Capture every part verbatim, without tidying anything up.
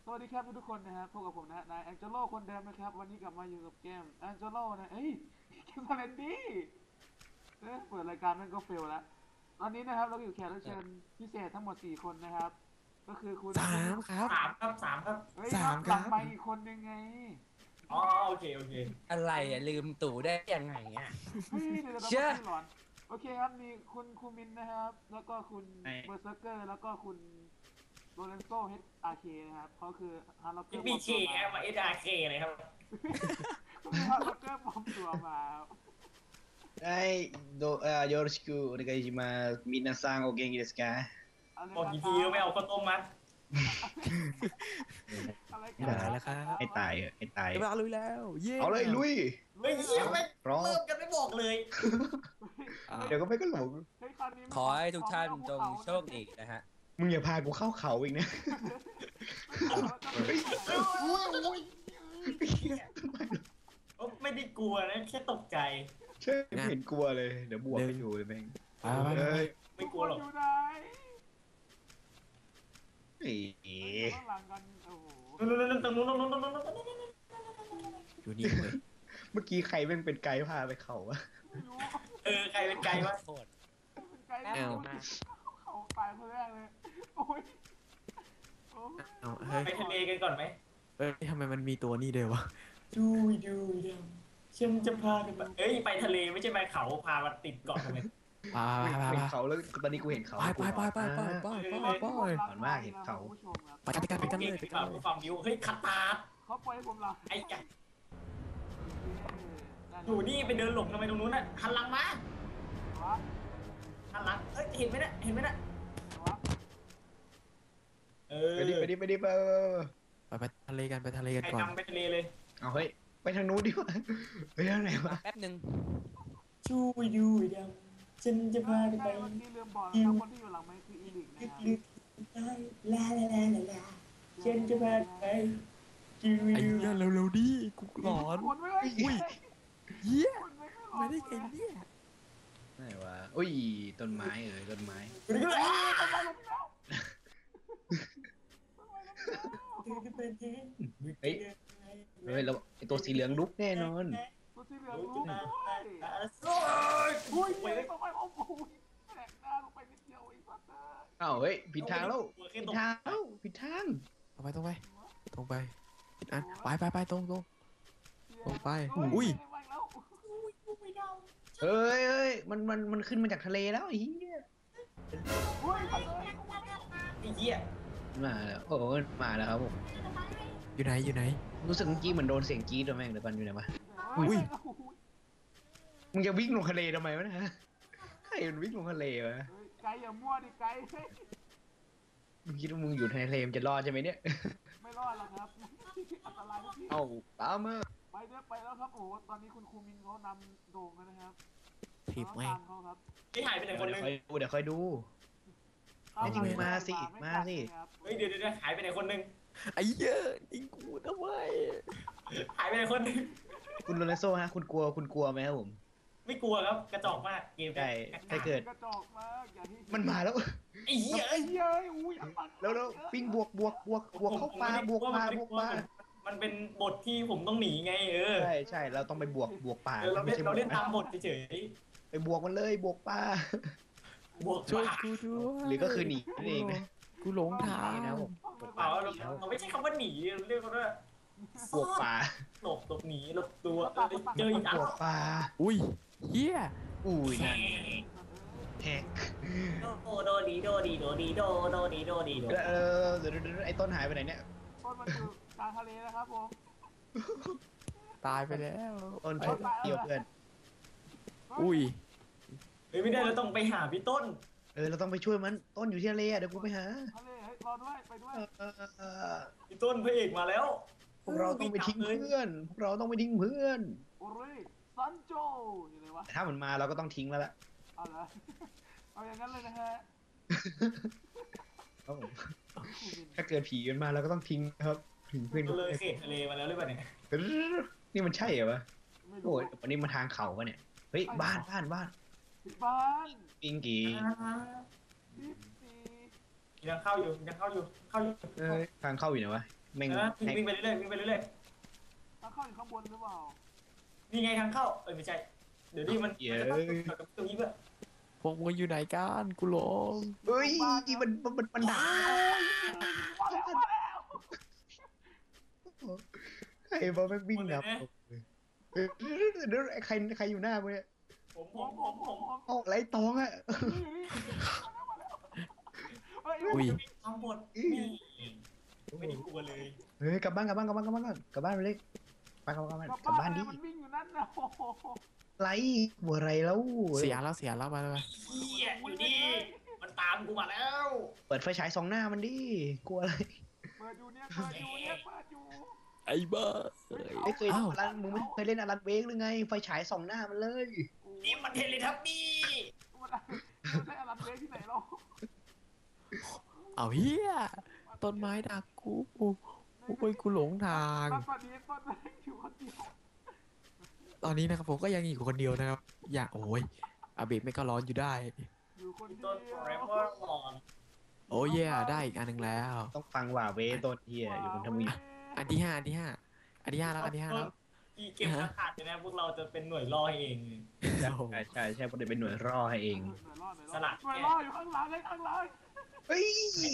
สวัสดีครับทุกคนนะครับพบกับผมนะนายแองเจโลคนเดิมนะครับวันนี้กลับมาอยู่กับเกมแองเจโลนะเอ้ยเกมสเลนดี้เอ๊ะเปิดรายการมันก็เฟลแล้วตอนนี้นะครับเราอยู่แขกรับเชิญพิเศษทั้งหมดสี่คนนะครับก็คือคุณสามครับสามครับสามครับเฮ้ยสามหลังครับไมค์อีกคนยังไงอ๋อโอเคโอเคอะไรอ่ะลืมตู่ได้ยังไงอ่ะเฮ้ยเดี๋ยวเราต้องเชื่อพูดหลอนโอเคครับมีคุณคูมินนะครับแล้วก็คุณเบอร์เซอร์เกอร์แล้วก็คุณโรเลนโซเฮดอาร์เคนะครับเขาคือฮาร์ล็อกเกอร์บีเคแอมมาเอสอาร์เคเลยครับฮาร์ล็อกเกอร์ปลอมตัวมาはい、ど、あ、よろしくお願いします。皆さんお元気ですか？ อะไรบอกนะกี่คทีรัก็ไม่เอาข้าวต้มมัดอะไรกัไม่ได้นแล้วครับให้ตายเหอะให้ตายเวลาลุยแล้วเย้เอาเลยลุยเฮ้ยเยี่ยมเลยพร้อมเริ่มกันไม่บอกเลยอ่าเดี๋ยวก็ไม่ก็หลงเฮ้ยคราวนี้ไม่ขอให้ทุกท่านเอจงภูเขาโชคดีนะฮะมึงอย่าพากูเข้าเขาอีกนะไม่เอาแล้วก็ไม่เอาไม่ได้กลัวนะแค่ตกใจใช่ไม่เห็นกลัวเลย เดี๋ยวบวกให้ดูเลยแม่งไปไปไปเฮ้ยไม่กลัวหรอกทุคนอยู่ไหนเอ๋อยู่ข้างหลังกันโอ้โหนู่นนู่นนู่นตรงนู้นตรงนู้นตรงนู้นตรงนู้นอยู่นี่เลยเมื่อกี้ใครแม่งเป็นไกด์พาไปเขาวะไม่รู้เออใครเป็นไกลวะโคตรเป็นไกด์แอลเขาตายคนแรกเลยโอ้ยโอ้ยเอาเฮ้ยไปทะเลกันก่อนไหมเฮ้ยทำไมมันมีตัวนี้เดียววะดูดูดูฉันจะพาไปเอ้ยไปทะเลไม่ใช่ไปเขาพามาติดเกาะทำไมไปไปไปเห็ไปนเขาแล้วตอนนี้กูเห็นเขาไปไปไปไปไปไปไปไปหวานมากเห็นเขาคุณผู้ชมครับไปกันไปกันไปกันเลยไปกันข่าวเลยฟังดิวเฮ้ยคาตาร์เขาปล่อยให้ผมหลับไอ้แกอยู่นี่ไปเดินหลบทำไมตรงนู้นน่ะหันหลังมาวะหันหลังเอ้ยเห็นไหมน่ะเห็นไหมน่ะวะเออไปดิไปดิไปดิไปไปไปทะเลกันไปทะเลกันใครก่อนนำไปทะเลเลยเอาเฮ้ยไปทางนู้นดีกว่าไปทางไหนวะแป๊บหนึ่งช่วยดูดำฉันจะพาไปใช่เมื่อกี้ลืมบอกนะครับคนที่อยู่หลังไมค์คืออีลิกนะครับลึกๆได้ลาลาลาลาลาฉันจะพาไปดูไอ้ดูเหี้ยเร็วๆดิกูหลอนคนไม่ได้อุ้ยเหี้ยคนไม่ได้ไม่ได้ไงเนี่ยไหนวะอุ้ยต้นไม้เอ้ยต้นไม้ดูดูเฮ้ยทำไมลงไปแล้วทำไมลงไปแล้วเฮ้ยเฮ้ยเราไอตัวสีเหลืองลุกแน่นอนตัวสีเหลืองรู้ด้วยโอ้ยอุ้ยไปไปเลยทำไมเอาโอ้ยแตกหน้าลงไปนิดเดียวไอ้สัตว์เอ้ยอ้าวเฮ้ยผิดทางแล้วผิดทางแล้วผิดทางตรงไปตรงไปตรงไปผิดอันไปไปไปตรงตรง ลงไปอุ้ยไปแล้วเฮ้ยเฮ้ยมันมันมันขึ้นมาจากทะเลแล้วไอ้เหี้ยอุ้ยไปเลยไอ้เหี้ยมาแล้วโอ้ยมาแล้วครับผมอยู่ไหนอยู่ไหนรู้สึกเมื่อกี้เหมือนโดนเสียงกรี๊ดตัวแม่งเดี๋ยวก่อนอยู่ไหนวะอุ้ยมึงจะวิ่งลงทะเลทำไมวะเนะใครมันวิ่งลงทะเลวะไกลอย่ามั่วดิไกลมึงคิดว่ามึงอยู่ในทะเลมึงจะรอดใช่ไหมเนี่ยไม่รอดหรอกครับอันตรายนะพี่เอ้าตามมาไปเด้อไปแล้วครับโอ้ตอนนี้คุณครูมินเขานำโด่งแล้วนะครับถีบแม่งตามเขาครับไอ้หายไปไหนเดี๋ยวคนนึงค่อยดูเดี๋ยวค่อยดู ไอ้ที่มึงมาสิมาสิเฮ้ยเดี๋ยวเดี๋ยวหายไปไหนคนนึงไอ้เหี้ยยิงกูทำไมหายไปไหนคนนึงคุณโรนัลโซฮะคุณกลัวคุณกลัวไหมครับผมไม่กลัวครับกระจอกมากเกมใช่ถ้าเกิดกระจอกมากอย่าที่มันมาแล้วไอ้เหี้ยไอ้เหี้ยอุ้ยแล้วแล้วปิ้งบวกบวกบวกบวกเข้าปลาบวกปลาบวกปลามันเป็นบทที่ผมต้องหนีไงเออใช่ใช่เราต้องไปบวกบวกปลาเออเราไม่เล่นใช่บเราวกเล่นนะตามบทเฉยไปบวกมันเลยบวกปลาๆบวกช่วยกูด้วยหรือก็คือหนีนั่นเองนะกูหลงทางนี่นะครับผมเปล่าเราเราไม่ใช่คำว่าหนีเรียกว่าบวกปลาหลบหลบหนีหลบตัวเจออีกอันบวกปลาอุ้ยเหี้ยอุ้ยนั่นแฮกโดโดดีโดดีโดดีโดโดดีโดดีโดเออเดี๋ยวเดี๋ยวเดี๋ยวไอ้ต้นหายไปไหนเนี่ยต้นมันอยู่กลางทะเลนะครับผมตายไปแล้วต้นชอบเกี่ยวเพื่อนอุ้ยเฮ้ยไม่ได้เราต้องไปหาพี่ต้นเออเราต้องไปช่วยมันต้นอยู่ที่ทะเลอะเดี๋ยวกูไปหาทะเลเฮ้ยรอด้วยไปด้วยเออเออเออพี่ต้นพระเอกมาแล้วพวกเราต้องไปทิ้งเพื่อนพวกเราต้องไปทิ้งเพื่อนโอ้ยซันโจอยู่เลยวะแต่ถ้ามันมาเราก็ต้องทิ้งแล้วล่ะเอาละเอาอย่างนั้นเลยนะฮะครับผมถ้าเกิดผีมันมาเราก็ต้องทิ้งนะครับทิ้งเพื่อนก็เลยเขตทะเลมาแล้วหรือเปล่าเนี่ยนี่มันใช่เหรอวะไม่รู้โอ้ยวันนี้มาทางเขาวะเนี่ยเฮ้ยบ้านบ้านบ้านบ้านปิงกีดิสซียังเข้าอยู่ยังเข้าอยู่เข้าอยู่เอ้ยทางเข้าอยู่ไหนวะแม่งเออวิ่งวิ่งไปเรื่อยๆวิ่งไปเรื่อยทางเข้าอยู่ข้างบนหรือเปล่าๆนี่ไงทางเข้าเอ้ยไม่ใช่เดี๋ยวนี้มันเย้มันจะต้องตรงนี้เพื่อพวกมึงอยู่ไหนกันกูหลงเฮ้ยมันมันมันมันด่ามาแล้วมาแล้วใครบอกแม่งวิ่งดับเดี๋ยวใครใครอยู่หน้ามึงเนี่ยผมผผมมผผม มผผม มผมเอาไรตองอะเฮ้ยอุ้ยทั้งหมดนี่ไม่ได้กลัวเลยเฮ้ยกลับบ้านกลับบ้านกลับบ้านกลับบ้านก่อนกลับบ้านไปเลยไปกลับบ้านกลับกลับบ้าบ้าน นเลดิยมันวิ่งอยู่นั่นนะโอ้โหไรบัวไรแล้วเสียแล้วเสียแล้วมาเลยเฮียอยู่นี่มันตามกูมาแล้วเปิดไฟฉายสองหน้ามันดิกลัวอะไรเปิดอยู่เนี่ยเปิดอยู่เนี่ยเปิดอยู่ไอ้บ้าไม่เคยอ้าวอลันมึงไม่เคยเล่นอลันเวกหรือไงไฟฉายสองหน้ามันเลยนี่มันเทเลทับบี้มันได้อลันเวกที่ไหนเราเอาเฮียต้นไม้ดักกูโอ้ยกูหลงทางตอนนี้ต้นแรกอยู่คนเดียวตอนนี้นะครับผมก็ยังอยู่คนเดียวนะครับ อย่าโอ้ยอาเบะไม่ก็ร้อนอยู่ได้อยู่คนเดีต้นยว forever on โอ้ยแย่ได้อีกอันหนึ่งแล้วต้องฟังว่าเวต้นเฮียอยู่คนทำมึงอันที่ห้าอันที่ห้าอันที่ห้าแล้วอันที่ห้าแล้วอีเก็บอากาศเลยนะพวกเราจะเป็นหน่วยล่อให้เองใช่ใช่ใช่เพราะเดี๋ยวเป็นหน่วยรอให้เองหน่วยล่อหน่วยล่อหน่วยล่ออยู่ข้างหลังเลยข้างหลังเฮ้ย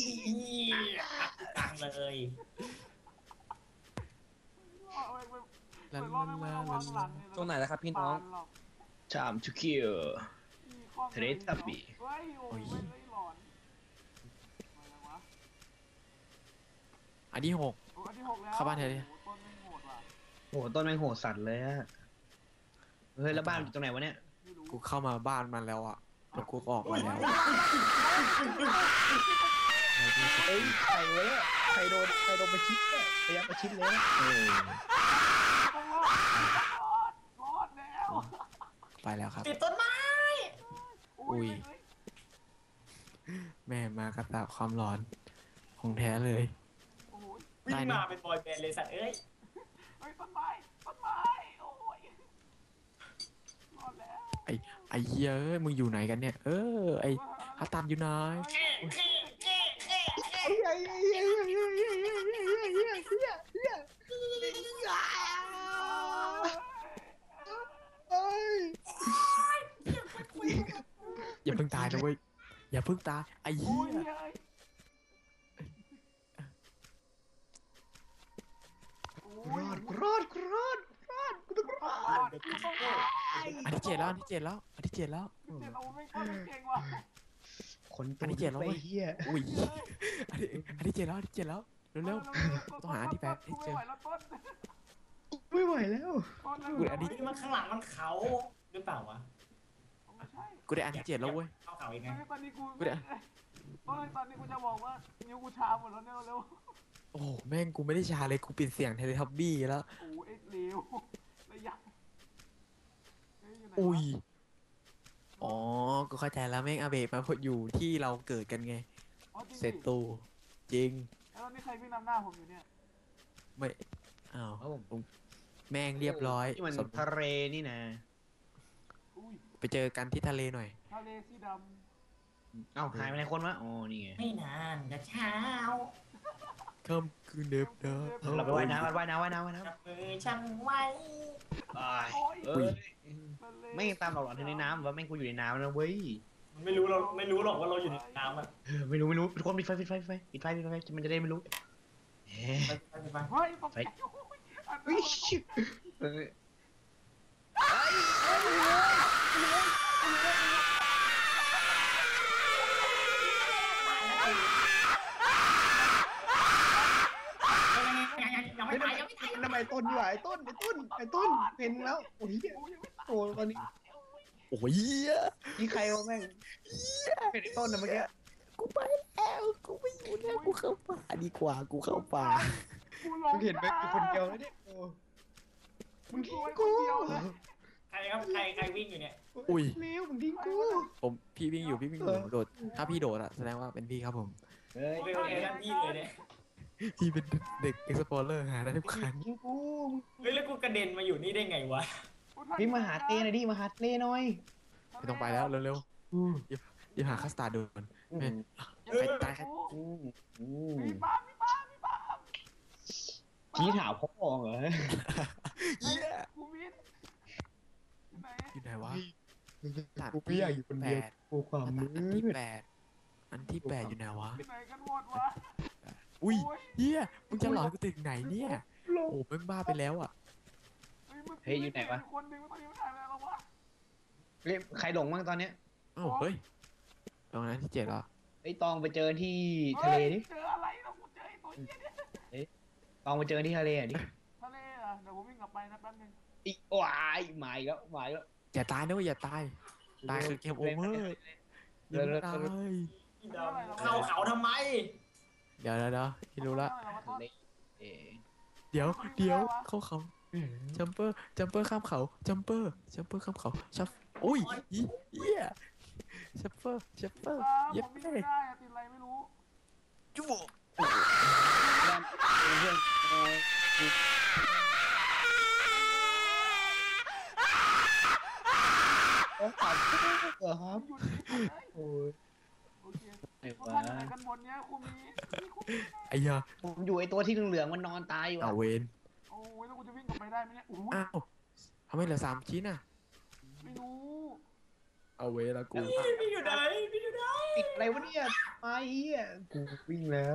ตังเลยล่อไปไปลาหน่วยล่อลาไม่ลาต้องวางหลังตรงไหนแล้วครับพี่น้องชามชุคิว เทเลทับบี้เฮ้ยโอ้ยไม่หลอนอะไรวะอันที่หกโอ้อันที่หกแล้วเข้าบ้านเถอะดิต้นไม่โหดว่ะโอ้โหต้นแมงโหดสัตว์เลยอะเฮ้ยแล้วบ้านอยู่ตรงไหนวะเนี่ยไม่รู้กูเข้ามาบ้านมันแล้วอ่ะแล้วกูก็ออกมาแล้วเฮ้ยใครวะเนี่ยใครโดนใครโดนประชิดเนี่ยพยายามประชิดเลยเออต้องรอดรอดรอดแล้วไปแล้วครับติดต้นไม้อุ้ย แม่มากระตาความร้อนของแท้เลยโอ้ยวิ่งมาเป็นบอยแบนด์เลยสัตว์เอ้ยเฮ้ยต้นไม้ต้นไม้โอ้ยรอดแล้วไอ้ไอ้เหี้ยเอ้ยมึงอยู่ไหนกันเนี่ย เออไอ้อาตามอยู่ไหน อย่าเพิ่งตายนะเว้ยอย่าเพิ่งตายไอ้โอ้เหี้ยยโอ้ยรอดกูรอดกูรอดรอดกูต้องรอรอดดรอดอันที่เจ็ดแล้วอันที่เจ็ดแล้วอันที่เจ็ดแล้วเจ็บเอาไม่ก็เก่งว่ะคนตัวไปเฮียอุ้ยอันที่อันที่เจ็ดแล้วอันที่เจ็ดแล้วเร็วๆต้องหาอันที่แปดให้เจอไม่ไหวแล้วต้นไม่ไหวแล้วต้นกูอันนี้นี่มันข้างหลังมันเขาหรือเปล่าวะไม่ใช่กูได้อันที่เจ็ดแล้วเว้ยเข้าเขาอีกไงตอนนี้กูกูเนี่ยเฮ้ยตอนนี้กูจะบอกว่านิ้วกูชาหมดแล้วเนี่ยเร็วโอ้โหแม่งกูไม่ได้ชาเลยกูปิดเสียงเทเลทับบี้แล้วโอ้เอ็ดเร็วระยะอุ้ยอ๋อกูเข้าใจแล้วแม่งอาเบะมาพออยู่ที่เราเกิดกันไงเซตตูจริงแล้วนี่ใครวิ่งนำหน้าผมอยู่เนี่ยไม่อ้าวแม่งเรียบร้อยที่มันสมทะเลนี่นะอุ้ยไปเจอกันที่ทะเลหน่อยทะเลสีดเอ้าหายไปไหนคนวะอ๋อนี่ไงไม่นานจะเช้าค่ำคืนเดิมเดิมเราไปว่ายน้ำว่ายน้ำว่ายน้ำว่ายน้จับมือฉันไว้ำเอ้ยไม่ตามหลอกหลอนในน้ำว่าแม่งกูอยู่ในน้ำนะเว้ยมันไม่รู้เราไม่รู้หรอกว่าเราอยู่ในน้ำอ่ะไม่รู้ไม่รู้ทุกคนปิดไฟปิดไฟปิดไฟปิดไฟปิดไฟมันจะได้ไม่รู้เฮ้ไปไปไปเฮ้ยตกใจยเออยังไม่ตายยังไม่ตายทำไมต้นดีกว่าไอ้ต้นไอ้ต้นไอ้ต้นเห็นแล้วโอ้ยโอ้ตอนนี้โอ้ยนี่ใครวะแม่งเป็นไอ้ต้นนะเมื่อกี้กูไปแล้วกูไม่อยู่แล้วกูเข้าป่าดีกว่ากูเข้าป่ามึงเห็นไหมกูคนเดียวแล้วเนี่ยโอ้มึงทิ้งกูใครครับใครใครวิ่งอยู่เนี่ยอุ้ยเร็วมึงทิ้งกูผมพี่วิ่งอยู่พี่วิ่งอยู่โดดถ้าพี่โดดอะแสดงว่าเป็นพี่ครับผมเฮ้ยโอเคโอเคนั่นพี่เลยเนี่ยพี่เป็นเด็กเอ็กซ์พอร์เลอร์หาได้ทุกครั้งทิ้งกูเฮ้ยแล้วกูกระเด็นมาอยู่นี่ได้ไงวะพี่มาหาเต้หน่อยดิมาหาเต้หน่อยไม่ต้องไปแล้วเร็วๆเดี๋ยวหาคัสตาร์ดโดนแม่ไปตายแค่อืมอืมมีป้ามีป้ามีป้าชี้ถามพ่อเหรอเหี้ยกูมินไหนอยู่ไหนวะกูไม่อยากอยู่คนเดียวแปดกูความอันมืที่ดแปดอันที่แปดอยู่ไหนวะไหนกันหมดวะอุ้ยโอ้ยเฮียมึงจะหลอนกูถึงไหนเนี่ย โอ้แม่งบ้าไปแล้วอ่ะเฮ้ยอยู่ไหนวะคนหนึ่งตอนนี้มันหายไปแล้ววะเฮ้ยใครหลงบ้างตอนเนี้ยเอ้าเฮ้ยตรงนั้นที่เจ็ดเหรอไอ้ยตองไปเจอที่ทะเลดิฮ้ยเจออะไรนะกูเจอไอ้ตัวเหี้ยเนี่ยตองไปเจอที่ทะเลอ่ะดิทะเลเหรอ่ะเดี๋ยวผมวิ่งกลับไปนะแป๊บนึงอีวายหมายแล้วหมายแล้วอย่าตายนะเว้ยอย่าตาย ตายคือเกมโอเวอร์อย่าตายเข้าเขาทำไมเดี๋ยวเดี๋ยวเดี๋ยวพี่รู้ละทะเลเอ๊ะเดี๋ยวเดี๋ยวเข้าเขาจัมเปอร์จัมเปอร์ข้ามเขาจัมเปอร์จัมเปอร์ข้ามเขาชัฟอุ้ยเหี้ยชัฟเปอร์ชัฟเปอร์อ่าเย็บผมวิ่งเป้ไม่ได้อะติดอะไรไม่รู้จุ๊บเพื่อนเอ่อโอ้ขอบคุณเหรอครับอยู่ที่ไหนโอ้ยโอเคไอ้พวกวะท่านอยู่ไหนกันหมดเนี้ยครูมีครูมีไอ้ยาผมอยู่ไอ้ตัวที่เหลืองๆมันนอนตายอยู่เอาอะเวนโอ้ยแล้วกูจะวิ่งกลับไปได้ไหมเนี่ยโอ้ยอ้าวทำไมเหลือสามชิ้นอ่ะไม่รู้เอาเวนละกูพี่อยู่ไหนพี่อยู่ไหนติดอะไรวะเนี่ยไอ้เหี้ยกูวิ่งแล้ว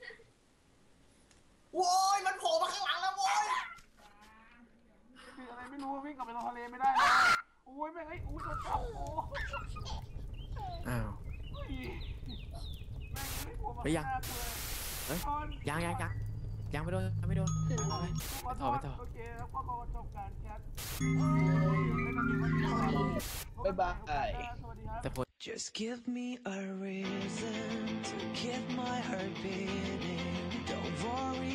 โว้ยมันโผล่มาข้างหลังแล้วโว้ยติดอะไรไม่รู้วิ่งกลับไปลงทะเลไม่ได้เลยโอ้ยแม่งเอ้ยโอ้ยโดนจับโอ้ยอ้าวแม่งไม่โผล่มาไปยังหน้ากูเลยเฮ้ยตอนยังยังยังยังไม่โดนยังไม่โดนไปไปไปขอโทต่อษไปต่อโอเคแล้วก็ขอจบการแคสเอ้ยไม่ต้องมีวันนี้บ๊ายบายสวัสดีครับแต่ผล Just give me a reason to keep my heart beating. Don't worry